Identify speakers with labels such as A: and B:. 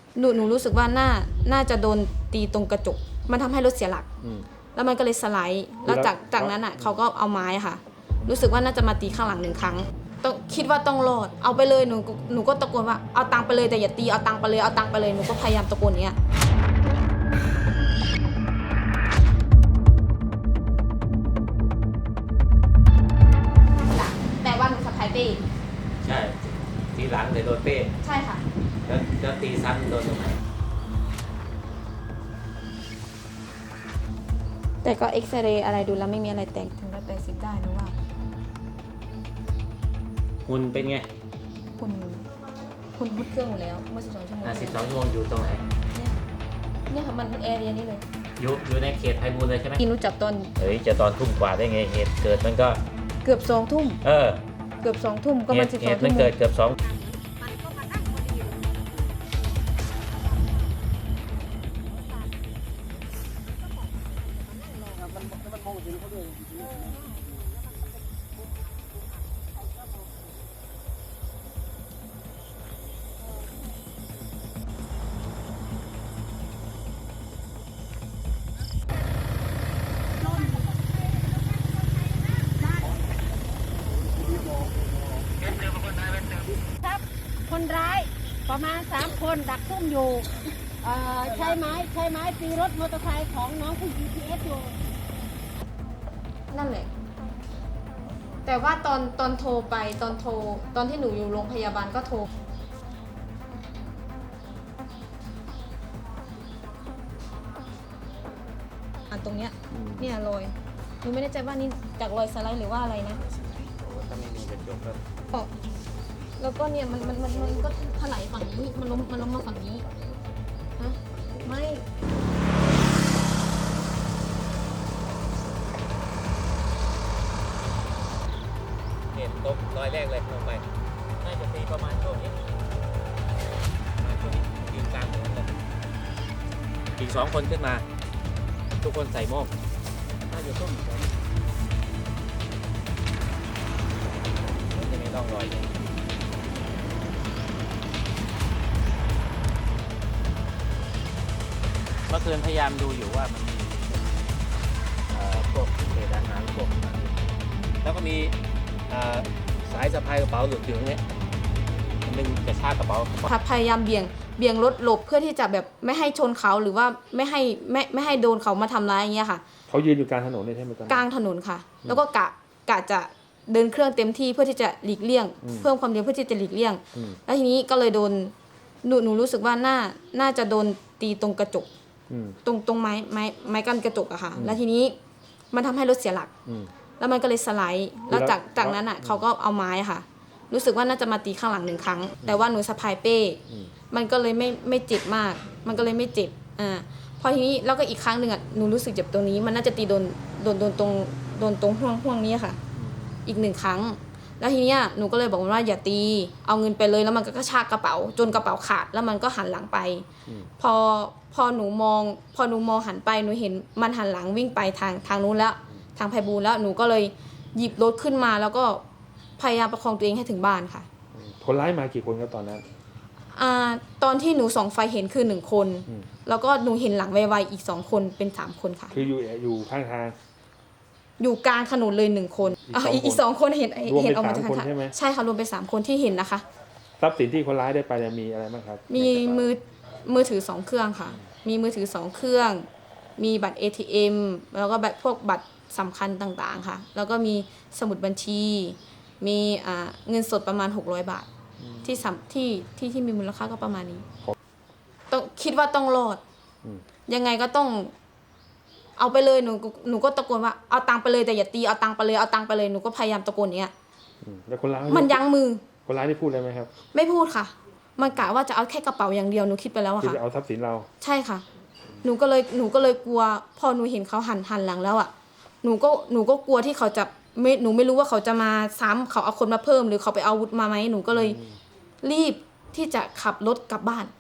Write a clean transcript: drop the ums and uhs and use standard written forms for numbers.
A: หนูรู้สึกว่าน่าจะโดนตีตรงกระจกมันทำให้รถเสียหลักแล้วมันก็เลยสไลด์แล้วจากนั้นอ่ะเขาก็เอาไม้ค่ะรู้สึกว่าน่าจะมาตีข้างหลัง1 ครั้งต้องคิดว่าต้องรอดเอาไปเลยหนูก็ตะโกนว่าเอาตังค์ไปเลยแต่อย่าตีเอาตังค์ไปเลยเอาตังค์ไปเลยหนูก็พยายามตะโกนอย่างเงี้ยแต่ว่าหนูสะพายเป้
B: ใช่ทีหลังเลยโดนเป้
A: ใช่ค่ะ
B: แล้วตีซ้ำโดนตรงไหน
A: แต่ก็เอ็กซเรย์อะไรดูแล้วไม่มีอะไรแตกถึง180ได้นะว่า
B: หุ่นเป็นไง
A: คุณพุดเครื่องหมดแล้วเมื่อ12 ชั่วโมง
B: 12 ชั่วโมงอยู่ตรงไหน
A: เนี่ยค่ะมันแอเรียนี่เลย
B: อยู่ในเขตไพบูลย์เลยใช่ไหม
A: กินรู้จักตอน
B: จะตอนทุ่มกว่าได้ไงเหตุเกิดมันก็
A: เกือบ2 ทุ่มเกือบ2 ทุ่มก็มัน12 ชั่วโมง
B: มันเกิดเกือบ2
C: คนร้ายประมาณ3 คนดักซุ่มอยู่ใช้ไม้ตีรถมอเตอร์ไซค์ของน้องผู้ GPS อยู่
A: นั่นแหละแต่ว่าตอนโทรไปตอนที่หนูอยู่โรงพยาบาลก็โทรตรงเนี้ยเนี่ยรอยหนูไม่แน่ใจว่านี่จากรอยสไลด์หรือว่าอะไรนะ
B: ถ้าไม่มีกระจกก็
A: แล้วก็เนี่ยมันก็ถลายฝั่งนี้มันล้มมาฝั่งนี้ฮะไม่
B: เนี่ยตกรอยแรกเลยลงไปน่าจะตีประมาณช่วงนี้ยืนกลางถนนเลยอีก2 คนขึ้นมาทุกคนใส่โม่งน่าจะต้มมันจะมีร่องรอยเมื่อคืนพยายามดูอยู่ว่ามันมีพวกเศษอาหารพวกแล้วก็มีสายสะพายกระเป๋าหลุดอยู่ตรงนี้ดึงกระชากกระเป๋า
A: พยายามเบี่ยงรถหลบเพื่อที่จะแบบไม่ให้ชนเขาหรือว่าไม่ให้โดนเขามาทำร้ายอย่างเงี้ยค่ะ
D: เขายืนอยู่กลางถนนเลยใช่ไหม
A: กลางถนนค่ะแล้วก็กะจะเดินเครื่องเต็มที่เพื่อที่จะหลีกเลี่ยงเพิ่มความเร็วเพื่อที่จะหลีกเลี่ยงแล้วทีนี้ก็เลยโดนหนูรู้สึกว่าน่าจะโดนตีตรงกระจกตรงไม้กั้นกระจกอะค่ะแล้วทีนี้มันทำให้รถเสียหลักแล้วมันก็เลยสไลด์แล้วจากนั้นอะเขาก็เอาไม้ค่ะรู้สึกว่าน่าจะมาตีข้างหลัง1 ครั้งแต่ว่าหนูสะพายเป้มันก็เลยไม่เจ็บมากมันก็เลยไม่เจ็บพอทีนี้แล้วก็อีกครั้งหนึ่งอะหนูรู้สึกเจ็บตรงนี้มันน่าจะตีโดนตรงห่วงนี้ค่ะอีก1 ครั้งแล้วทีนี้หนูก็เลยบอกว่าอย่าตีเอาเงินไปเลยแล้วมันก็กระชากกระเป๋าจนกระเป๋าขาดแล้วมันก็หันหลังไปพอหนูมองหันไปหนูเห็นมันหันหลังวิ่งไปทางนู้นแล้วทางไพบูลย์แล้วหนูก็เลยหยิบรถขึ้นมาแล้วก็พยายามประคองตัวเองให้ถึงบ้านค่ะ
D: คนร้ายมากี่คนครับตอนนั้น
A: ตอนที่หนูส่องไฟเห็นคือ1 คนแล้วก็หนูเห็นหลังไวๆอีก2 คนเป็น3 คนค่ะ
D: คืออยู่ข้างทาง
A: อยู่กลางถนนเลย1 คนอีก2 คนเห็นออกมาจากทางใช่ค่ะรวมเป็น3 คนที่เห็นนะคะ
D: ทรัพย์สินที่คนร้ายได้ไปมีอะไรบ้างครับ
A: มีมือถือ2 เครื่องค่ะมีมือถือ2 เครื่องมีบัตร ATM แล้วก็พวกบัตรสำคัญต่างๆค่ะแล้วก็มีสมุดบัญชีมีเงินสดประมาณ600 บาทที่มีมูลค่าก็ประมาณนี้ต้องคิดว่าต้องรอดยังไงก็ต้องเอาไปเลยหนูก็ตะโกนว่าเอาตังค์ไปเลยแต่อย่าตีเอาตังค์ไปเลยเอาตังค์ไปเลยหนูก็พยายามตะโกนอย่างเงี้ย
D: แล้วคนร้าย
A: มันยั้งมือ
D: คนร้ายได้พูดอะไรไหมครับ
A: ไม่พูดค่ะมันกะว่าจะเอาแค่กระเป๋าอย่างเดียวหนูคิดไปแล้วอะค่ะ
D: จะเอาทรัพย์สินเรา
A: ใช่ค่ะหนูก็เลยกลัวพอหนูเห็นเขาหันหลังแล้วอะหนูก็กลัวที่เขาจะหนูไม่รู้ว่าเขาจะมาซ้ำเขาเอาคนมาเพิ่มหรือเขาไปเอาอาวุธมาไหมหนูก็เลยรีบที่จะขับรถกลับบ้าน